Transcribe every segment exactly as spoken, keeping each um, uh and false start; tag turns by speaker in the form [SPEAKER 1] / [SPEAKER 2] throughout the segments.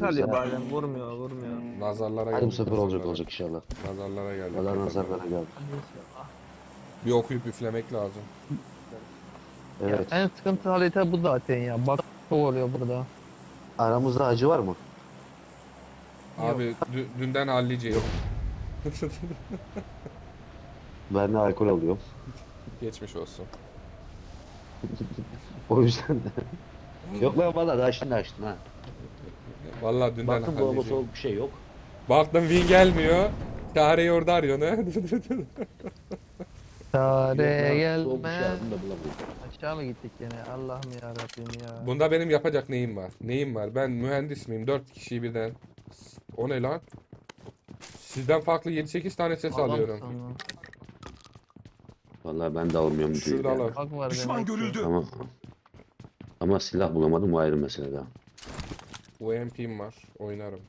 [SPEAKER 1] çalıyor
[SPEAKER 2] sefer.
[SPEAKER 1] bazen. Vurmuyor vurmuyor.
[SPEAKER 3] Nazarlara
[SPEAKER 2] Hadi bu
[SPEAKER 3] geldik.
[SPEAKER 2] sefer olacak
[SPEAKER 3] nazarlara.
[SPEAKER 2] olacak inşallah.
[SPEAKER 3] Nazarlara geldik.
[SPEAKER 2] Allah nazarlara geldi.
[SPEAKER 3] Bir okuyup üflemek lazım.
[SPEAKER 2] Evet.
[SPEAKER 1] En sıkıntı harita bu zaten ya. Bak çok oluyor burada.
[SPEAKER 2] Aramızda acı var mı?
[SPEAKER 3] Abi dü- dünden halliceyim.
[SPEAKER 2] Ben de alkol alıyorum.
[SPEAKER 3] Geçmiş olsun.
[SPEAKER 2] O yüzden de. Yok lan valla daha şimdi açtın ha.
[SPEAKER 3] Vallahi dünden
[SPEAKER 2] Baktım dolaba
[SPEAKER 3] halliceyim.
[SPEAKER 2] soğuk bir şey yok.
[SPEAKER 3] Baktım win gelmiyor. Çareyi orada arıyor ne?
[SPEAKER 1] Çare
[SPEAKER 2] Yok lan, soğuk bir şey
[SPEAKER 1] gelmez.
[SPEAKER 2] aldım da bulamadım.
[SPEAKER 1] Aşağı mı gittik yine? Allah'ım ya Rabbim ya.
[SPEAKER 3] Bunda benim yapacak neyim var? Neyim var? Ben mühendis miyim? Dört kişiyi birden. O ne lan? Sizden farklı yedi sekiz tane ses
[SPEAKER 1] Adam
[SPEAKER 3] alıyorum.
[SPEAKER 1] sana.
[SPEAKER 2] Vallahi ben de almıyorum bu
[SPEAKER 3] Şurada
[SPEAKER 2] değil ya.
[SPEAKER 3] alalım.
[SPEAKER 1] Bak var
[SPEAKER 4] Düşman
[SPEAKER 1] demek ki.
[SPEAKER 4] görüldü.
[SPEAKER 2] Ama ama silah bulamadım, o ayrı mesele daha.
[SPEAKER 3] U M P'm var. Oynarım.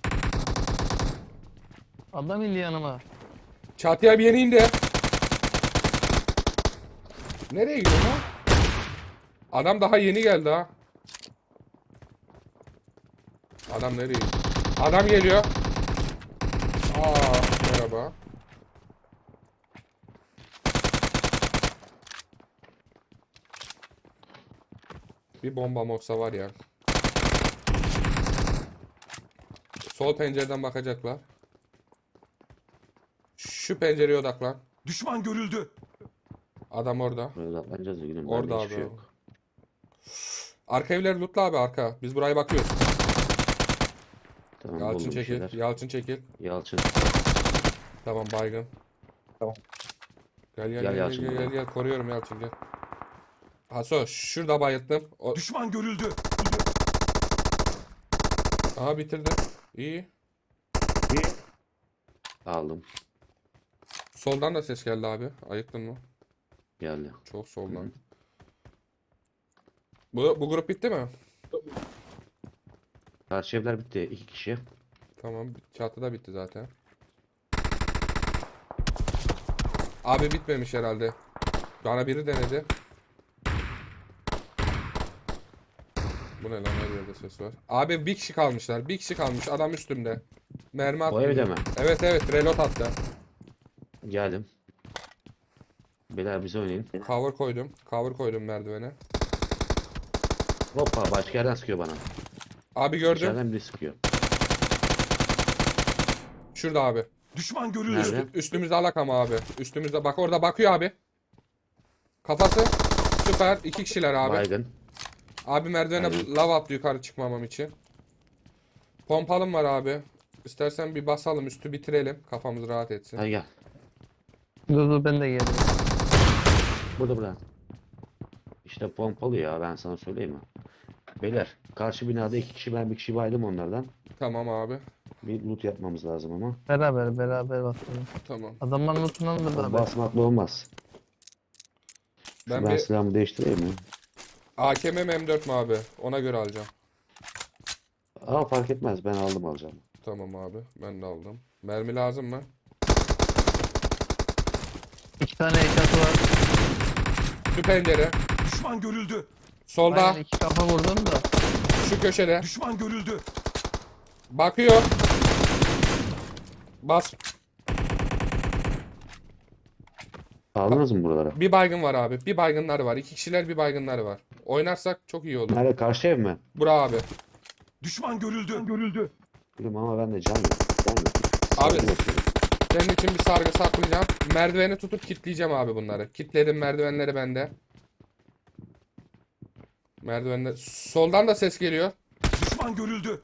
[SPEAKER 1] Adam indi yanıma.
[SPEAKER 3] Çatıya bir yeni indi. Nereye gidiyor lan? Adam daha yeni geldi ha. Adam nereye gidiyor? Adam geliyor. Aa, merhaba. Bir bomba olsa var ya. Sol pencereden bakacaklar. Şu pencereye odaklan.
[SPEAKER 4] Düşman görüldü.
[SPEAKER 3] Adam orada.
[SPEAKER 2] Böyle atlanacağız da gülüm.
[SPEAKER 3] Orada
[SPEAKER 2] Orada hiçbir şey
[SPEAKER 3] abi.
[SPEAKER 2] yok.
[SPEAKER 3] Arka evleri lootla abi arka. Biz buraya bakıyoruz.
[SPEAKER 2] Tamam
[SPEAKER 3] Yalçın
[SPEAKER 2] buldum bir
[SPEAKER 3] çekil.
[SPEAKER 2] şeyler.
[SPEAKER 3] Yalçın çekil.
[SPEAKER 2] Yalçın.
[SPEAKER 3] Tamam baygın.
[SPEAKER 1] Tamam.
[SPEAKER 3] Gel gel
[SPEAKER 2] Gel
[SPEAKER 3] gel gel
[SPEAKER 2] Yalçın
[SPEAKER 3] gel,
[SPEAKER 2] buraya.
[SPEAKER 3] gel, gel. Koruyorum Yalçın gel. Haso şurada bayılttım. O...
[SPEAKER 4] Düşman görüldü.
[SPEAKER 3] Aha bitirdim. İyi.
[SPEAKER 2] Aldım.
[SPEAKER 3] Soldan da ses geldi abi. Ayıktın mı?
[SPEAKER 2] Geldi.
[SPEAKER 3] Çok soldan. Bu, bu grup bitti mi?
[SPEAKER 2] Karşı evler bitti. İki kişi.
[SPEAKER 3] Tamam. Çatıda bitti zaten. Abi bitmemiş herhalde. Bana biri denedi. Bu ne lan, her yerde ses var. Abi bir kişi kalmışlar. Bir kişi kalmış. Adam üstümde. Mermi attı.
[SPEAKER 2] O evde mi?
[SPEAKER 3] Evet evet. Reload attı.
[SPEAKER 2] Geldim. Beyler bize oynayın.
[SPEAKER 3] Cover koydum. Cover koydum merdivene.
[SPEAKER 2] Hoppa başka yerden sıkıyor bana.
[SPEAKER 3] Abi gördüm.
[SPEAKER 2] İçeriden biri sıkıyor.
[SPEAKER 3] Şurada abi.
[SPEAKER 4] Düşman görüldü.
[SPEAKER 2] Nerede?
[SPEAKER 3] Üstümüzde alakam abi. Üstümüzde bak, orada bakıyor abi. Kafası. Süper. İki kişiler abi.
[SPEAKER 2] Baygın.
[SPEAKER 3] Abi merdivene
[SPEAKER 2] Aynen.
[SPEAKER 3] lav attı yukarı çıkmamam için. Pompalım var abi. İstersen bir basalım, üstü bitirelim. Kafamız rahat etsin.
[SPEAKER 2] Hadi gel.
[SPEAKER 1] Dur dur ben de geliyorum.
[SPEAKER 2] Burada burada. İşte pompalı ya, ben sana söyleyeyim mi? Beyler karşı binada iki kişi, ben bir kişi baydım onlardan.
[SPEAKER 3] Tamam abi.
[SPEAKER 2] Bir loot yapmamız lazım ama.
[SPEAKER 1] Beraber beraber basalım.
[SPEAKER 3] Tamam.
[SPEAKER 1] Adamların lootundan da beraber.
[SPEAKER 2] Basmakla olmaz. Şu
[SPEAKER 3] Ben
[SPEAKER 2] ben
[SPEAKER 3] bir
[SPEAKER 2] silahımı değiştireyim mi?
[SPEAKER 3] A K M mi M dört mü abi? Ona göre alacağım.
[SPEAKER 2] Aa fark etmez, ben aldım alacağım.
[SPEAKER 3] Tamam abi. Ben de aldım. Mermi lazım mı?
[SPEAKER 1] İki tane eşyası var.
[SPEAKER 3] Şu pencere.
[SPEAKER 4] Düşman görüldü.
[SPEAKER 3] Solda.
[SPEAKER 1] Aynen iki kafa vurdum da.
[SPEAKER 3] Şu köşede.
[SPEAKER 4] Düşman görüldü.
[SPEAKER 3] Bakıyor. Bas.
[SPEAKER 2] Aldınız mı buralara?
[SPEAKER 3] Bir baygın var abi. Bir baygınlar var. İki kişiler, bir baygınlar var. Oynarsak çok iyi olur.
[SPEAKER 2] Nerede, karşı ev mi?
[SPEAKER 3] Bura abi.
[SPEAKER 4] Düşman görüldü. Görüldü.
[SPEAKER 2] Bilmiyorum ama ben de can yok. Can yok.
[SPEAKER 3] Abi.
[SPEAKER 2] Sargı basıyorum.
[SPEAKER 3] Senin için bir sargı saklayacağım. Merdiveni tutup kilitleyeceğim abi bunları. Kilitledim, merdivenleri bende. Merdivenler. Soldan da ses geliyor.
[SPEAKER 4] Düşman görüldü.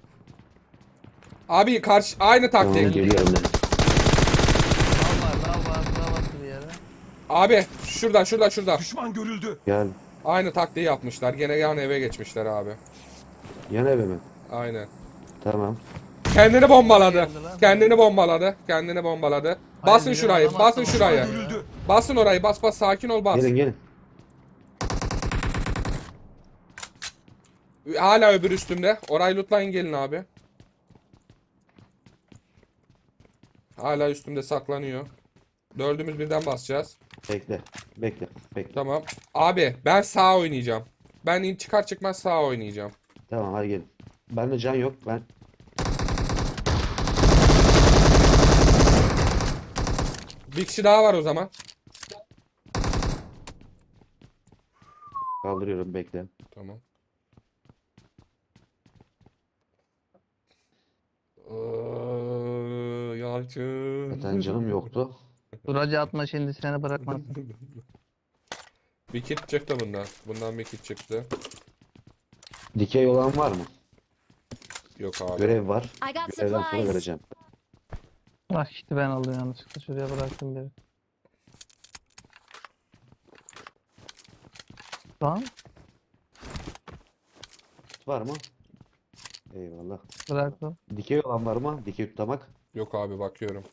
[SPEAKER 3] Abi karşı aynı
[SPEAKER 2] Tamam
[SPEAKER 3] taktik.
[SPEAKER 2] geliyorum ben.
[SPEAKER 1] Lav var lav var lav var bir yere.
[SPEAKER 3] Abi şurada şurada şurada.
[SPEAKER 4] Düşman görüldü.
[SPEAKER 2] Gel.
[SPEAKER 3] Aynı taktiği yapmışlar. Gene yan eve geçmişler abi.
[SPEAKER 2] Yan eve mi?
[SPEAKER 3] Aynen.
[SPEAKER 2] Tamam.
[SPEAKER 3] Kendini bombaladı.
[SPEAKER 1] Geldi lan.
[SPEAKER 3] Kendini bombaladı. Kendini bombaladı. Basın
[SPEAKER 1] bizim
[SPEAKER 3] şurayı.
[SPEAKER 1] adam
[SPEAKER 3] Basın
[SPEAKER 1] attı
[SPEAKER 3] şurayı.
[SPEAKER 1] bombayı.
[SPEAKER 4] Görüldü.
[SPEAKER 3] Basın orayı. Bas bas, sakin ol, bas.
[SPEAKER 2] Gelin gelin.
[SPEAKER 3] Hala öbür üstümde. Orayı lootlayın, gelin abi. Hala üstümde saklanıyor. Dördümüz birden basacağız.
[SPEAKER 2] Bekle. Bekle. Bekle.
[SPEAKER 3] Tamam. Abi ben sağ oynayacağım. Ben in- çıkar çıkmaz sağ oynayacağım.
[SPEAKER 2] Tamam hadi gelin. Bende can yok. Ben
[SPEAKER 3] Bir kişi daha var o zaman.
[SPEAKER 2] kaldırıyorum, bekle.
[SPEAKER 3] Tamam. Iıı, Yalçın.
[SPEAKER 2] Zaten canım yoktu.
[SPEAKER 1] Duracı atma şimdi seni bırakmazsın.
[SPEAKER 3] Bir kit çıktı bundan. Bundan bir kit çıktı.
[SPEAKER 2] Dikey olan var mı?
[SPEAKER 3] Yok abi.
[SPEAKER 2] Görev var.
[SPEAKER 5] I got
[SPEAKER 2] Görevden sonra
[SPEAKER 5] supplies.
[SPEAKER 2] vereceğim.
[SPEAKER 1] Bak işte ben aldım yanlışlıkla. Şuraya bıraktım biri. Tamam.
[SPEAKER 2] Var mı? Eyvallah.
[SPEAKER 1] Bıraktım.
[SPEAKER 2] Dikey olan var mı? Dikey tutamak.
[SPEAKER 3] Yok abi bakıyorum.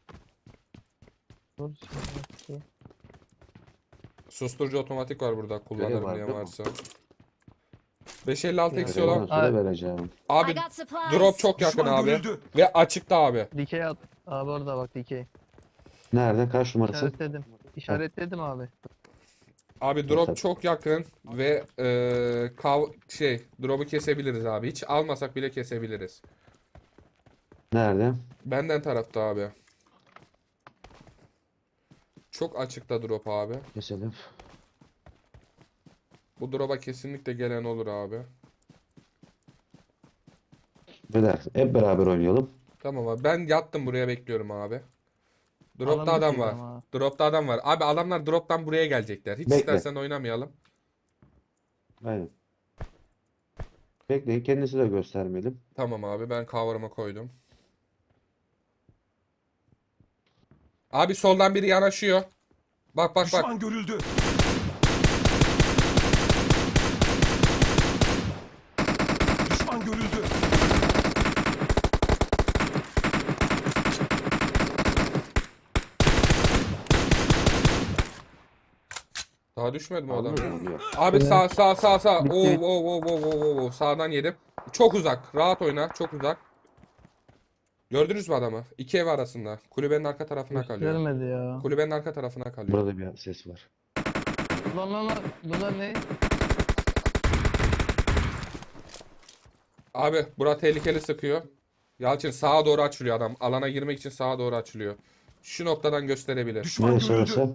[SPEAKER 1] Dur. Şimdi.
[SPEAKER 3] Susturucu otomatik var burada. Kullanırım
[SPEAKER 2] var
[SPEAKER 3] diye
[SPEAKER 2] değil mi?
[SPEAKER 3] varsa. beş elli altı
[SPEAKER 1] Ya,
[SPEAKER 3] eksi
[SPEAKER 2] Görevden
[SPEAKER 3] olan.
[SPEAKER 2] sonra
[SPEAKER 1] Ay.
[SPEAKER 2] vereceğim.
[SPEAKER 3] Abi
[SPEAKER 5] I got supplies.
[SPEAKER 3] drop çok yakın
[SPEAKER 4] Düşman
[SPEAKER 3] abi.
[SPEAKER 4] görüldü.
[SPEAKER 3] Ve açıkta abi.
[SPEAKER 1] Dikey at. Abi orada bak dikey.
[SPEAKER 2] Nerede? Kaç numarası?
[SPEAKER 1] İşaretledim. İşaretledim abi.
[SPEAKER 3] Abi drop
[SPEAKER 2] Tabii.
[SPEAKER 3] çok yakın ve eee kav şey drop'u kesebiliriz abi. Hiç almasak bile kesebiliriz.
[SPEAKER 2] Nerede?
[SPEAKER 3] Benden tarafta abi. Çok açıkta drop abi.
[SPEAKER 2] Keselim.
[SPEAKER 3] Bu drop'a kesinlikle gelen olur abi.
[SPEAKER 2] Beyler hep beraber oynayalım.
[SPEAKER 3] Tamam abi. Ben yattım buraya bekliyorum abi. Drop'ta
[SPEAKER 1] Alan
[SPEAKER 3] adam
[SPEAKER 1] bitiyor
[SPEAKER 3] var.
[SPEAKER 1] ama.
[SPEAKER 3] Drop'ta adam var. Abi adamlar drop'tan buraya gelecekler. Hiç
[SPEAKER 2] Bekle.
[SPEAKER 3] istersen oynamayalım.
[SPEAKER 2] Aynen. Bekleyin, kendisi de göstermeyelim.
[SPEAKER 3] Tamam abi ben cover'ıma koydum. Abi soldan biri yanaşıyor. Bak bak bak.
[SPEAKER 4] Düşman görüldü. Düşman görüldü.
[SPEAKER 3] Daha düşmedi mi o adam?
[SPEAKER 2] Anladın mı? Yok.
[SPEAKER 3] Abi sağ sağ sağ sağ.
[SPEAKER 1] Bitti.
[SPEAKER 3] Oo oo oo oo oo oo. Sağdan yedim. Çok uzak. Rahat oyna. Çok uzak. Gördünüz mü adamı? İki ev arasında. Kulübenin arka tarafına kalıyor.
[SPEAKER 1] Göstermedi ya.
[SPEAKER 3] Kulübenin arka tarafına kalıyor.
[SPEAKER 2] Burada bir ses var.
[SPEAKER 1] Lan lan lan. Bunlar ne?
[SPEAKER 3] Abi bura tehlikeli sıkıyor. Yalçın sağa doğru açılıyor adam. Alana girmek için sağa doğru açılıyor. Şu noktadan gösterebilir.
[SPEAKER 4] Düşman
[SPEAKER 2] Neresi
[SPEAKER 4] görüldü.
[SPEAKER 2] orası?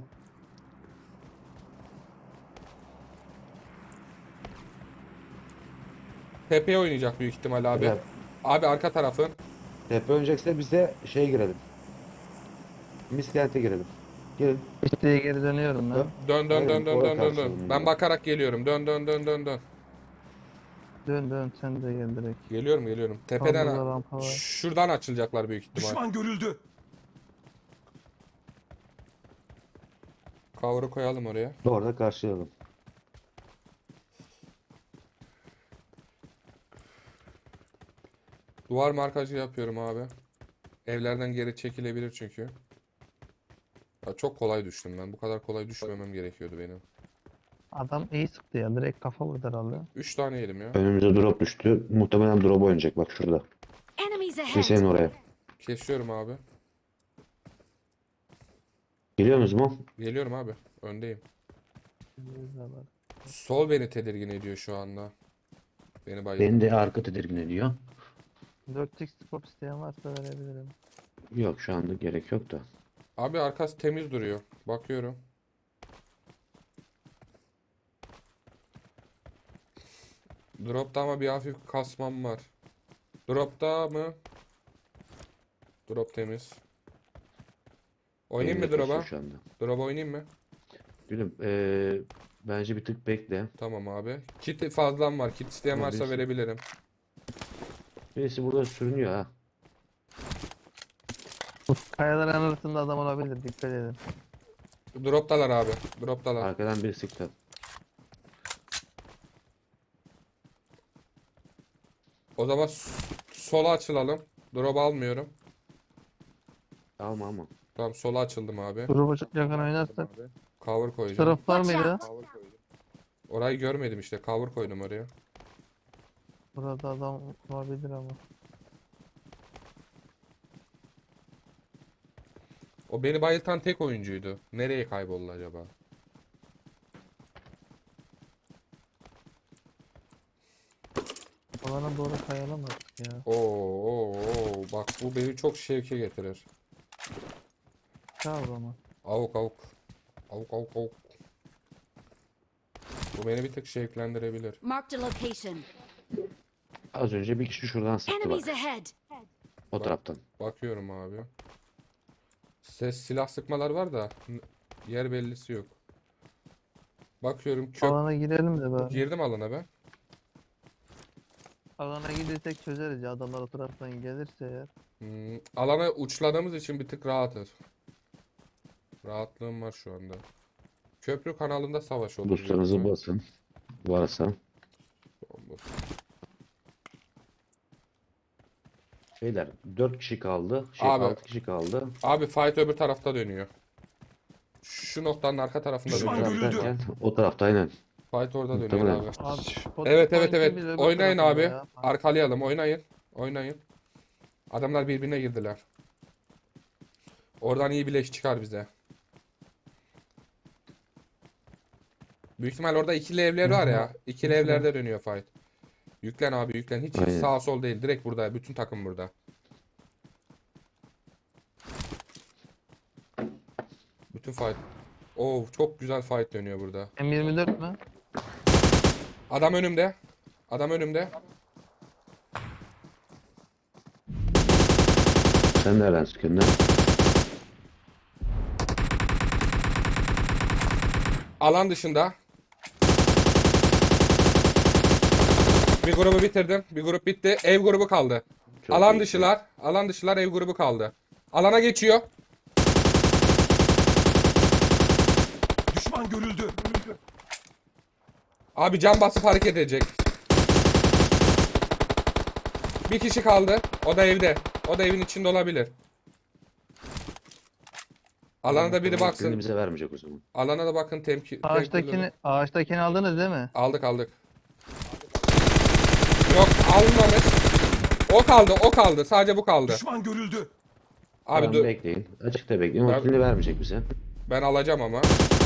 [SPEAKER 3] Tepeye oynayacak büyük ihtimal abi.
[SPEAKER 2] Beyler,
[SPEAKER 3] Abi arka tarafın.
[SPEAKER 2] tepe oynayacaksa biz de şeye girelim. Miskent'e girelim. Girin.
[SPEAKER 1] İşte geri dönüyorum ben.
[SPEAKER 2] Dön.
[SPEAKER 3] Dön dön
[SPEAKER 2] Aynen,
[SPEAKER 3] dön dön
[SPEAKER 2] oraya
[SPEAKER 3] dön dön
[SPEAKER 2] karşı
[SPEAKER 3] dön.
[SPEAKER 2] oynayın
[SPEAKER 3] Ben
[SPEAKER 2] ya.
[SPEAKER 3] bakarak geliyorum. Dön dön dön dön dön.
[SPEAKER 1] Dön dön sen de gel direkt.
[SPEAKER 3] Geliyorum geliyorum.
[SPEAKER 1] Burada
[SPEAKER 3] Tepeden
[SPEAKER 1] rampa var.
[SPEAKER 3] şuradan açılacaklar büyük ihtimal.
[SPEAKER 4] Düşman görüldü.
[SPEAKER 3] Cover'ı koyalım oraya.
[SPEAKER 2] Orada karşılayalım.
[SPEAKER 3] Duvar markajı yapıyorum abi. Evlerden geri çekilebilir çünkü. Ya çok kolay düştüm ben. Bu kadar kolay düşmemem gerekiyordu benim.
[SPEAKER 1] Adam iyi sıktı ya. Direkt kafa vurdu herhalde.
[SPEAKER 3] Üç tane yedim ya.
[SPEAKER 2] Önümüze drop düştü. Muhtemelen drop oynayacak bak şurada.
[SPEAKER 5] Enemies
[SPEAKER 2] Şey
[SPEAKER 5] ahead.
[SPEAKER 2] senin oraya.
[SPEAKER 3] Kesiyorum abi.
[SPEAKER 2] Geliyorsunuz mu?
[SPEAKER 3] Geliyorum abi. Öndeyim.
[SPEAKER 1] Güzel bak.
[SPEAKER 3] Sol beni tedirgin ediyor şu anda. Beni bayıldı.
[SPEAKER 2] Beni de arka tedirgin ediyor.
[SPEAKER 1] dört x scope isteyen varsa verebilirim.
[SPEAKER 2] Yok şu anda gerek yok da.
[SPEAKER 3] Abi arkası temiz duruyor. Bakıyorum. Drop'ta ama bir hafif kasmam var. Drop'ta mı? Drop temiz. Oynayayım mı
[SPEAKER 2] Benim de
[SPEAKER 3] drop'a?
[SPEAKER 2] kasıyor şu anda.
[SPEAKER 3] Drop'a oynayayım mı?
[SPEAKER 2] Gülüm eee, bence bir tık bekle.
[SPEAKER 3] Tamam abi. Kit fazlam var. Kit isteyen
[SPEAKER 2] Ama
[SPEAKER 3] varsa
[SPEAKER 2] birisi-
[SPEAKER 3] verebilirim.
[SPEAKER 2] Birisi burada sürünüyor ha.
[SPEAKER 1] Bu kayaların arasında adam olabilir. Dikkat edin.
[SPEAKER 3] Drop'talar abi. Drop'talar.
[SPEAKER 2] Arkadan bir sıktı.
[SPEAKER 3] O zaman s- sola açılalım. Drop almıyorum.
[SPEAKER 2] Alma alma.
[SPEAKER 3] Tamam sola açıldım abi.
[SPEAKER 1] Grubu çok yakın oynarsak.
[SPEAKER 3] Cover
[SPEAKER 1] Şu
[SPEAKER 3] koyacağım.
[SPEAKER 1] taraf var
[SPEAKER 5] Watch
[SPEAKER 1] mıydı?
[SPEAKER 5] out.
[SPEAKER 3] Orayı görmedim işte. Cover koydum oraya.
[SPEAKER 1] Burada adam olabilir ama.
[SPEAKER 3] O beni bayıltan tek oyuncuydu. Nereye kayboldu acaba?
[SPEAKER 1] Alana doğru kayalamadık ya.
[SPEAKER 3] Oo, oo, oo. Bak bu beni çok şevke getirir.
[SPEAKER 1] Sağ ol ama.
[SPEAKER 3] Avuk avuk. Avuk avuk avuk. Bu beni bir tık şevklendirebilir.
[SPEAKER 5] Marked a location.
[SPEAKER 2] Az önce bir kişi şuradan sıktı bak.
[SPEAKER 5] Enemies ahead.
[SPEAKER 2] O taraftan.
[SPEAKER 3] Bakıyorum abi. Ses silah sıkmalar var da n- yer bellisi yok. Bakıyorum köp
[SPEAKER 1] Alana girelim de bari.
[SPEAKER 3] girdim alana ben.
[SPEAKER 1] Alana gidersek çözeriz ya. Adamlar o taraftan gelirse eğer.
[SPEAKER 3] Hmm, alana uçladığımız için bir tık rahatız. Rahatlığım var şu anda. Köprü kanalında savaş olur. büyük
[SPEAKER 2] Boostlarınızı
[SPEAKER 3] ihtimal.
[SPEAKER 2] basın. Varsa. Beyler dört kişi kaldı. Şey
[SPEAKER 3] Abi.
[SPEAKER 2] altı kişi kaldı.
[SPEAKER 3] Abi fight öbür tarafta dönüyor. Şu noktanın arka tarafında
[SPEAKER 4] Düşman
[SPEAKER 2] O
[SPEAKER 3] dönüyor.
[SPEAKER 4] görüldü.
[SPEAKER 2] taraf derken o tarafta aynen.
[SPEAKER 3] Fight orada dönüyor
[SPEAKER 2] Muhtemelen.
[SPEAKER 3] abi.
[SPEAKER 1] Abi,
[SPEAKER 3] Evet evet
[SPEAKER 1] Spotify'ın
[SPEAKER 3] evet.
[SPEAKER 1] bile öbür
[SPEAKER 3] Oynayın
[SPEAKER 1] tarafında
[SPEAKER 3] abi.
[SPEAKER 1] ya.
[SPEAKER 3] Arkalayalım. Oynayın. Oynayın. Adamlar birbirine girdiler. Oradan iyi bir leş çıkar bize. Büyük ihtimal orada ikili evler var ya. İkili evlerde dönüyor fight. Yüklen abi yüklen. Hiç, hiç
[SPEAKER 2] Aynen.
[SPEAKER 3] sağ sol değil. Direkt burada. Bütün takım burada. Bütün fight. Oo çok güzel fight dönüyor burada.
[SPEAKER 1] M yirmi dört mü?
[SPEAKER 3] Adam önümde. Adam önümde.
[SPEAKER 2] Sen nereden sıkıyorsun lan?
[SPEAKER 3] Alan dışında. Bir grubu bitirdim. Bir grup bitti. Ev grubu kaldı.
[SPEAKER 2] Çok
[SPEAKER 3] Alan
[SPEAKER 2] iyi.
[SPEAKER 3] dışılar. Alan dışılar ev grubu kaldı. Alana geçiyor.
[SPEAKER 4] Düşman görüldü.
[SPEAKER 3] Abi cam basıp hareket edecek. Bir kişi kaldı. O da evde. O da evin içinde olabilir. Alana da biri baksın.
[SPEAKER 2] Kendimize vermeyecek o zaman.
[SPEAKER 3] Alana da bakın temki.
[SPEAKER 1] Ağaçtakini,
[SPEAKER 3] temkinli-
[SPEAKER 1] ağaçtakini aldınız değil mi?
[SPEAKER 3] Aldık aldık. Yok almamış. O kaldı o kaldı. Sadece bu kaldı.
[SPEAKER 4] Düşman görüldü.
[SPEAKER 3] Abi
[SPEAKER 2] Tamam,
[SPEAKER 3] dur.
[SPEAKER 2] bekleyin. Açıkta bekleyin. O
[SPEAKER 3] Ben-
[SPEAKER 2] kilini vermeyecek bize.
[SPEAKER 3] Ben alacağım ama.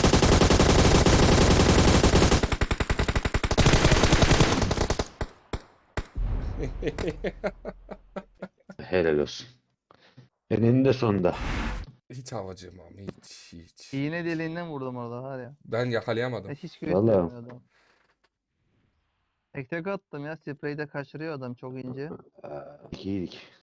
[SPEAKER 2] Helal olsun. Eninde sonunda.
[SPEAKER 3] Hiç havacığım ama hiç hiç.
[SPEAKER 1] İğne deliğinden vurdum orada var ya.
[SPEAKER 3] Ben yakalayamadım.
[SPEAKER 1] Hiç hiç
[SPEAKER 2] Vallahi.
[SPEAKER 1] göstermiyor adam. Tek tek attım ya. Spreyi de kaçırıyor adam çok ince.
[SPEAKER 2] Aa, İyiydik.